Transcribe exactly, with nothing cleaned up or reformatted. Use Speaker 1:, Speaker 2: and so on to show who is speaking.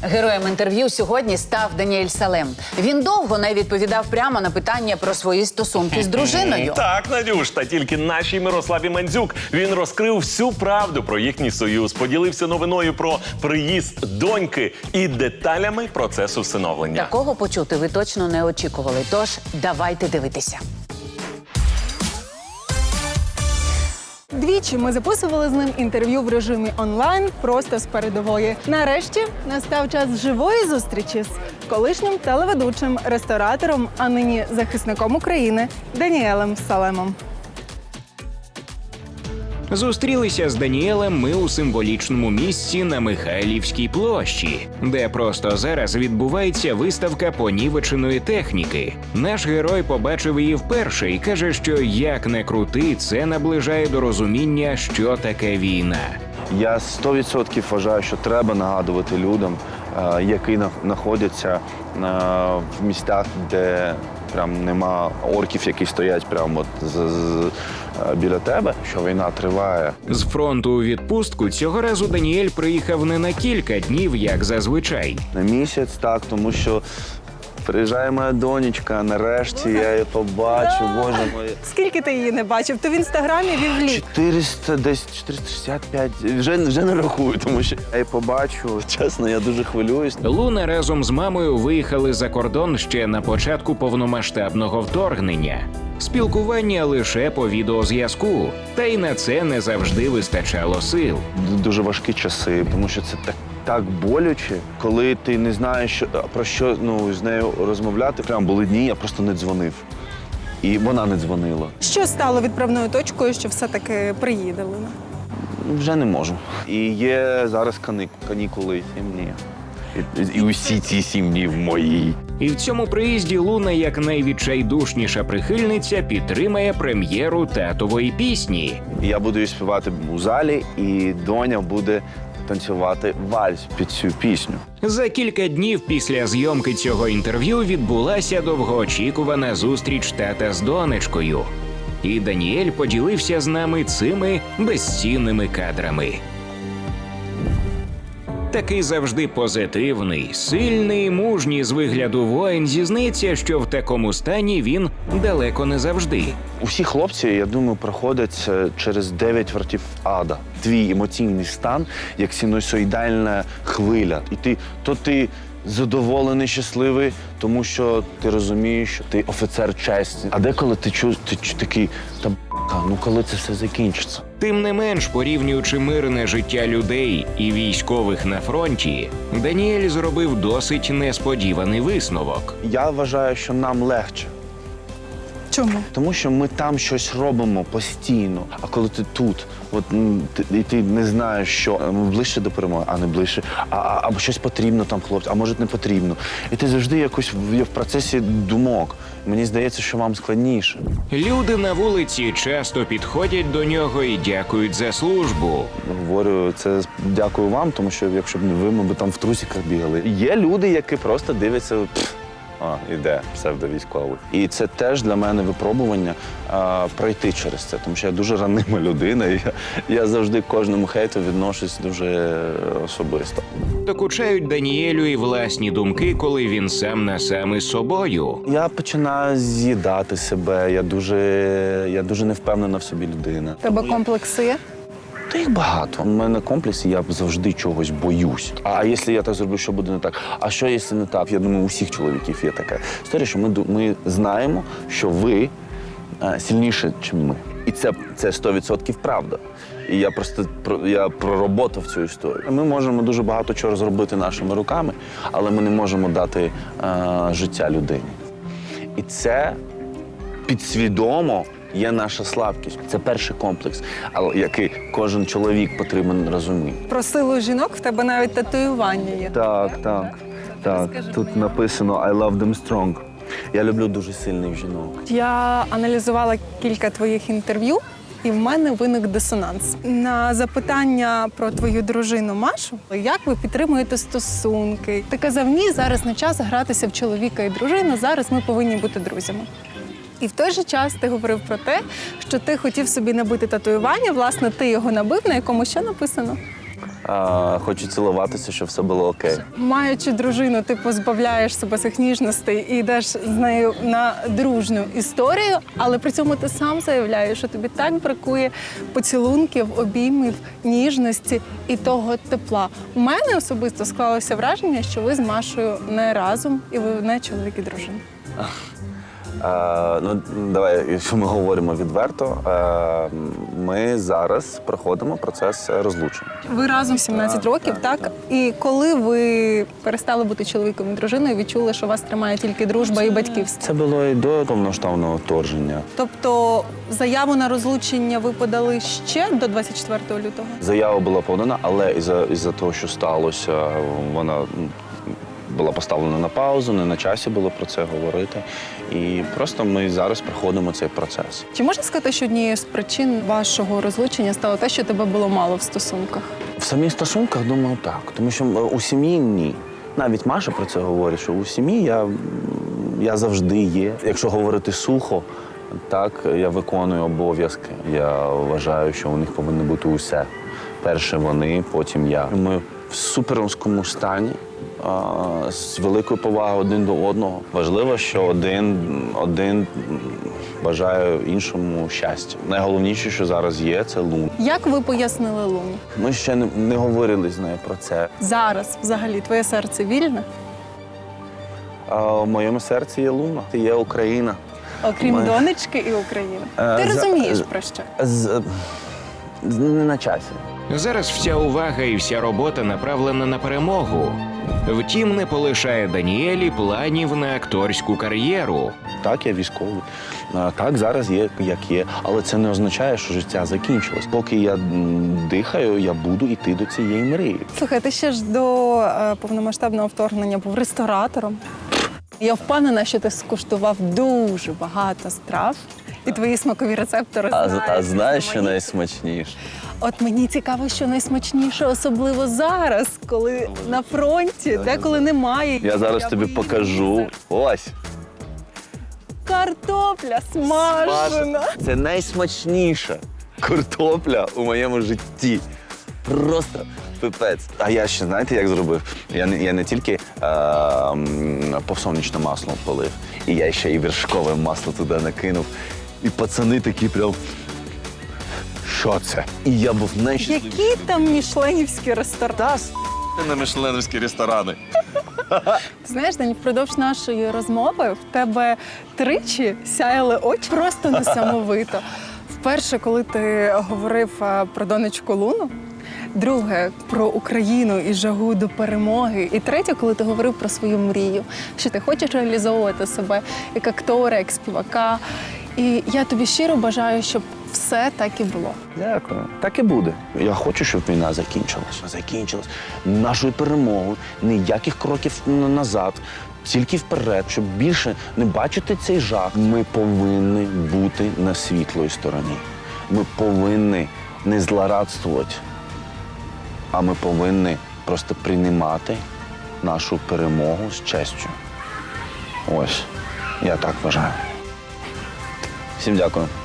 Speaker 1: Героєм інтерв'ю сьогодні став Даніель Салем. Він довго не відповідав прямо на питання про свої стосунки з дружиною.
Speaker 2: Так, Надюш, та тільки нашій Мирославі Мандзюк він розкрив всю правду про їхній союз, поділився новиною про приїзд доньки і деталями процесу всиновлення.
Speaker 1: Такого почути ви точно не очікували, тож давайте дивитися.
Speaker 3: Двічі ми записували з ним інтерв'ю в режимі онлайн просто з передової. Нарешті настав час живої зустрічі з колишнім телеведучим, ресторатором, а нині захисником України Даніелем Салемом.
Speaker 4: Зустрілися з Даніелем ми у символічному місці на Михайлівській площі, де просто зараз відбувається виставка понівеченої техніки. Наш герой побачив її вперше і каже, що як не крути, це наближає до розуміння, що таке війна.
Speaker 5: Я сто відсотків вважаю, що треба нагадувати людям, е, які знаходяться е, в містах, де прям нема орків, які стоять прямо от з, з, біля тебе, що війна триває.
Speaker 4: З фронту у відпустку цього разу Даніель приїхав не на кілька днів, як зазвичай.
Speaker 5: На місяць, так, тому що приїжджає моя донечка, нарешті я її побачу, боже мой.
Speaker 3: Скільки ти її не бачив? То в інстаграмі вів лік.
Speaker 5: чотириста, десь чотириста шістдесят п'ять, вже, вже не рахую, тому що я її побачу. Чесно, я дуже хвилююсь.
Speaker 4: Луна разом з мамою виїхали за кордон ще на початку повномасштабного вторгнення. Спілкування лише по відеозв'язку, та й на це не завжди вистачало сил.
Speaker 5: Дуже важкі часи, тому що це так, так боляче, коли ти не знаєш, що, про що ну, з нею розмовляти. Прямо були дні, я просто не дзвонив. І вона не дзвонила.
Speaker 3: Що стало відправною точкою, що все-таки приїдали?
Speaker 5: Вже не можу. І є зараз кані- канікули сім днів. І, і усі ці сім днів мої.
Speaker 4: І в цьому приїзді Луна, як найвідчайдушніша прихильниця, підтримає прем'єру татової пісні.
Speaker 5: І я буду її співати у залі, і доня буде танцювати вальс під цю пісню.
Speaker 4: За кілька днів після зйомки цього інтерв'ю відбулася довгоочікувана зустріч тата з донечкою. І Даніель поділився з нами цими безцінними кадрами. Такий завжди позитивний, сильний, мужній з вигляду воїн зізнається, що в такому стані він далеко не завжди.
Speaker 5: Усі хлопці, я думаю, проходять е, через дев'ять вартів ада. Твій емоційний стан, як синусоїдальна хвиля. І ти, то ти задоволений, щасливий, тому що ти розумієш, що ти офіцер честі. А деколи ти чуєш, ти чу- такий, та б***ка, ну коли це все закінчиться?
Speaker 4: Тим не менш, порівнюючи мирне життя людей і військових на фронті, Даніель зробив досить несподіваний висновок.
Speaker 5: Я вважаю, що нам легше.
Speaker 3: Чому?
Speaker 5: Тому що ми там щось робимо постійно. А коли ти тут, от, м, ти, і ти не знаєш, що а, ми ближче до перемоги, а не ближче, а, а, або щось потрібно там хлопцям, а може не потрібно. І ти завжди якось в, в процесі думок. Мені здається, що вам складніше.
Speaker 4: Люди на вулиці часто підходять до нього і дякують за службу.
Speaker 5: Говорю, це дякую вам, тому що якщо б не ви, ми б там в трусиках бігали. Є люди, які просто дивляться. Пф, А, іде псевдовійськовий. І це теж для мене випробування а, пройти через це, тому що я дуже ранима людина, і я, я завжди к кожному хейту відношусь дуже особисто.
Speaker 4: Докучають Даніелю і власні думки, коли він сам на сам із собою.
Speaker 5: Я починаю з'їдати себе, я дуже, я дуже невпевнена в собі людина.
Speaker 3: Тебе комплекси є?
Speaker 5: Та їх багато. У мене комплекси, я завжди чогось боюсь. А якщо я так зроблю, що буде не так? А що, якщо не так? Я думаю, у всіх чоловіків є така історія, що ми, ду- ми знаємо, що ви а, сильніші, ніж ми. І це, це сто відсотків правда. І я просто про- я пророботав цю історію. Ми можемо дуже багато чого зробити нашими руками, але ми не можемо дати а, життя людині. І це підсвідомо є наша слабкість. Це перший комплекс, але який кожен чоловік потрібен розуміти.
Speaker 3: Про силу жінок в тебе навіть татуювання є.
Speaker 5: Так, так, так. Тут написано «I love them strong». Я люблю дуже сильних жінок.
Speaker 3: Я аналізувала кілька твоїх інтерв'ю, і в мене виник дисонанс. На запитання про твою дружину Машу, як ви підтримуєте стосунки, ти казав, ні, зараз не час гратися в чоловіка і дружину, зараз ми повинні бути друзями. І в той же час ти говорив про те, що ти хотів собі набити татуювання, власне, ти його набив, на якому що написано?
Speaker 5: а, хочу цілуватися, щоб все було окей.
Speaker 3: Маючи дружину, ти позбавляєш себе цих ніжностей і йдеш з нею на дружну історію, але при цьому ти сам заявляєш, що тобі так бракує поцілунків, обіймів, ніжності і того тепла. У мене особисто склалося враження, що ви з Машою не разом і ви не чоловік і дружина.
Speaker 5: Е, ну, давай, якщо ми говоримо відверто, е, ми зараз проходимо процес розлучення.
Speaker 3: Ви разом сімнадцять років, так? І коли ви перестали бути чоловіком і дружиною, відчули, що вас тримає тільки дружба і батьківство?
Speaker 5: Це було і до повноштабного вторгнення.
Speaker 3: Тобто заяву на розлучення ви подали ще до двадцять четвертого лютого?
Speaker 5: Заява була подана, але із-за із-за того, що сталося, вона м, була поставлена на паузу, не на часі було про це говорити. І просто ми зараз проходимо цей процес.
Speaker 3: Чи можна сказати, що однією з причин вашого розлучення стало те, що тебе було мало в стосунках?
Speaker 5: В самих стосунках, думаю, так. Тому що у сім'ї ні. Навіть Маша про це говорить, що у сім'ї я, я завжди є. Якщо говорити сухо, так, я виконую обов'язки. Я вважаю, що у них повинно бути усе. Перше вони, потім я. Ми в суперському стані, а, з великою повагою один до одного. Важливо, що один, один бажає іншому щастя. Найголовніше, що зараз є, це Луна.
Speaker 3: Як ви пояснили Луні?
Speaker 5: Ми ще не, не говорили з нею про це.
Speaker 3: Зараз, взагалі, твоє серце вільне?
Speaker 5: А в моєму серці є Луна, є Україна.
Speaker 3: Окрім
Speaker 5: Ми-
Speaker 3: донечки і України.
Speaker 5: Е,
Speaker 3: Ти
Speaker 5: за-
Speaker 3: розумієш, про що?
Speaker 5: З, з, не на часі.
Speaker 4: Зараз вся увага і вся робота направлена на перемогу. Втім, не полишає Даніелі планів на акторську кар'єру.
Speaker 5: Так, я військовий. А, Так, зараз є, як є. Але це не означає, що життя закінчилось. Поки я м, дихаю, я буду йти до цієї мрії.
Speaker 3: Слухай, ти ще ж до е, повномасштабного вторгнення був ресторатором. Я впевнена, що ти скуштував дуже багато страв, і твої смакові рецептори
Speaker 5: А,
Speaker 3: знають.
Speaker 5: а знаєш, що
Speaker 3: різноманітні.
Speaker 5: найсмачніше?
Speaker 3: От мені цікаво, що найсмачніше, особливо зараз, коли на фронті, деколи немає.
Speaker 5: Я зараз тобі
Speaker 3: виїду
Speaker 5: покажу.
Speaker 3: на
Speaker 5: Ось.
Speaker 3: картопля смажена.
Speaker 5: Це найсмачніша картопля у моєму житті. Просто пипець. А я ще, знаєте, як зробив? Я не, я не тільки е, м, повсонячне масло полив, і я ще і вершкове масло туди накинув. І пацани такі прям. Що це? І я був найщасливіший.
Speaker 3: Які там мішленівські ресторани?
Speaker 5: Та с*** на мішленовські ресторани.
Speaker 3: Ти знаєш, Дань, впродовж нашої розмови в тебе тричі сяяли очі просто несамовито. Вперше, коли ти говорив е, про донечку Луну, друге про Україну і жагу до перемоги, і третє, коли ти говорив про свою мрію, що ти хочеш реалізовувати себе як актора, як співака. І я тобі щиро бажаю, щоб все так і було.
Speaker 5: Дякую. Так і буде. Я хочу, щоб війна закінчилась. Закінчилась нашою перемогою. Ніяких кроків н- назад, тільки вперед, щоб більше не бачити цей жах. Ми повинні бути на світлої стороні. Ми повинні не злорадствувати, а ми повинні просто приймати нашу перемогу з честю. Ось, я так вважаю. Всім дякую.